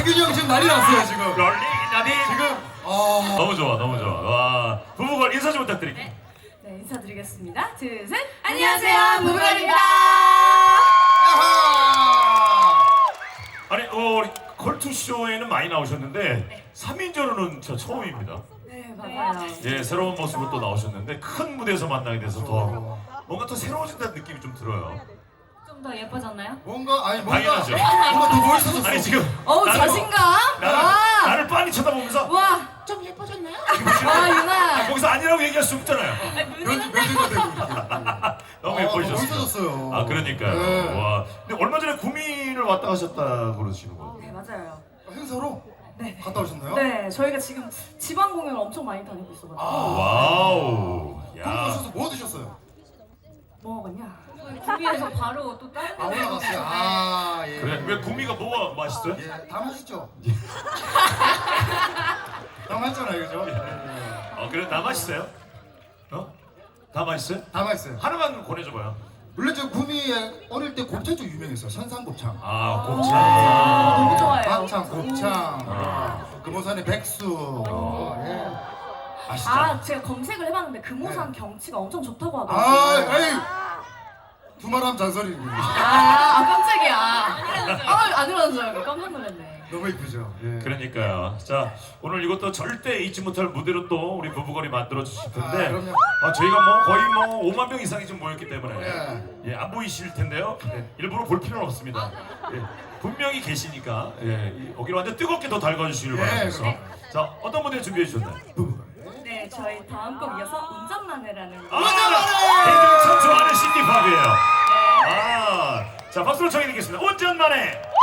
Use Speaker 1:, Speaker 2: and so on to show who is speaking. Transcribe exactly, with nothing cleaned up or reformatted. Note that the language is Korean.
Speaker 1: 태균이 형 지금 난리 났어요 지금.
Speaker 2: 롤링 나비
Speaker 1: 지금 아
Speaker 2: 너무 좋아 너무 좋아. 와 부부걸 인사 좀 부탁드릴게요.
Speaker 3: 네, 네 인사드리겠습니다. 둘, 셋.
Speaker 4: 안녕하세요, 부부걸입니다.
Speaker 2: 아니 어, 우리 컬투쇼에는 많이 나오셨는데 삼 인조로는 저 처음입니다.
Speaker 3: 네 맞아요.
Speaker 2: 예 새로운 모습으로 또 나오셨는데 큰 무대에서 만나게 돼서 더 뭔가 더 새로워진다는 느낌이 좀 들어요.
Speaker 3: 좀 더 예뻐졌나요?
Speaker 1: 뭔가 아니 뭔가
Speaker 2: 당연하죠.
Speaker 1: 뭔가 더 멋있어졌어.
Speaker 2: 아니 지금
Speaker 3: 어우
Speaker 2: 나를-
Speaker 3: 자신감.
Speaker 2: 나를,
Speaker 3: 와.
Speaker 2: 나를 빤히 쳐다보면서
Speaker 3: 와.
Speaker 4: 좀 예뻐졌나요?
Speaker 3: 와 유나.
Speaker 2: 거기서 아니라고 얘기할 수 없잖아요.
Speaker 1: 면면제가 되고
Speaker 2: 너무
Speaker 1: 아,
Speaker 2: 예뻐지셨어요.
Speaker 1: 멋있어졌어요.
Speaker 2: 아 그러니까요.
Speaker 1: 네.
Speaker 2: 와. 근데 얼마 전에 구미를 왔다 가셨다 그러시는 거.
Speaker 3: 네 맞아요.
Speaker 1: 행사로
Speaker 3: 네.
Speaker 1: 갔다 오셨나요?
Speaker 3: 네 저희가 지금 지방 공연을 엄청 많이 다니고 있어가지고.
Speaker 1: 아.
Speaker 2: 와우.
Speaker 1: 거기
Speaker 2: 야.
Speaker 1: 오셔서 뭐 드셨어요?
Speaker 3: 뭐 먹었냐? 구미에서 바로 또 다른
Speaker 1: 아 올라갔어요. 아 예.
Speaker 2: 그래 왜 구미가 뭐가 맛있어요?
Speaker 1: 예, 다 맛있죠. 다 맛있잖아요, 그죠? 예.
Speaker 2: 어 그래 다 맛있어요? 어? 다 맛있어요?
Speaker 1: 다 맛있어요.
Speaker 2: 하나만 권해줘봐요.
Speaker 1: 원래 저 구미에 어릴 때 곱창 좀 유명했어요. 선상곱창.
Speaker 2: 아
Speaker 3: 아,
Speaker 2: 곱창.
Speaker 3: 너무 좋아해요.
Speaker 1: 막창, 곱창,
Speaker 2: 아.
Speaker 1: 금호산의 백수. 예. 아시죠?
Speaker 3: 아 제가 검색을 해봤는데 금호산 경치가 엄청 좋다고
Speaker 1: 아,
Speaker 3: 하더라고요.
Speaker 1: 에이! 두말하면 잔소리.
Speaker 3: 아, 아 깜짝이야. 아, 안 일어난 줄 알고 깜짝 놀랐네.
Speaker 1: 너무 이쁘죠? 예.
Speaker 2: 그러니까요. 자 오늘 이것도 절대 잊지 못할 무대로 또 우리 부부걸이 만들어 주실
Speaker 1: 아,
Speaker 2: 텐데
Speaker 1: 그럼요.
Speaker 2: 아, 저희가 뭐 거의 뭐 오만 명 이상이 좀 모였기 때문에
Speaker 1: 예.
Speaker 2: 예, 안 보이실 텐데요. 예, 일부러 볼 필요는 없습니다. 예, 분명히 계시니까 예, 이 여기를 완전 뜨겁게 더 달궈주시길
Speaker 1: 예,
Speaker 2: 바라면서
Speaker 1: 그럼.
Speaker 2: 자 어떤 무대 준비해 주셨나요?
Speaker 3: 네, 저희 다음 곡 이어서 운전만해라는
Speaker 2: 아,
Speaker 3: 곡.
Speaker 2: 애들 참 좋아하는 신디팝이에요. 아, 자 박수로 청해 드리겠습니다. 운전만해.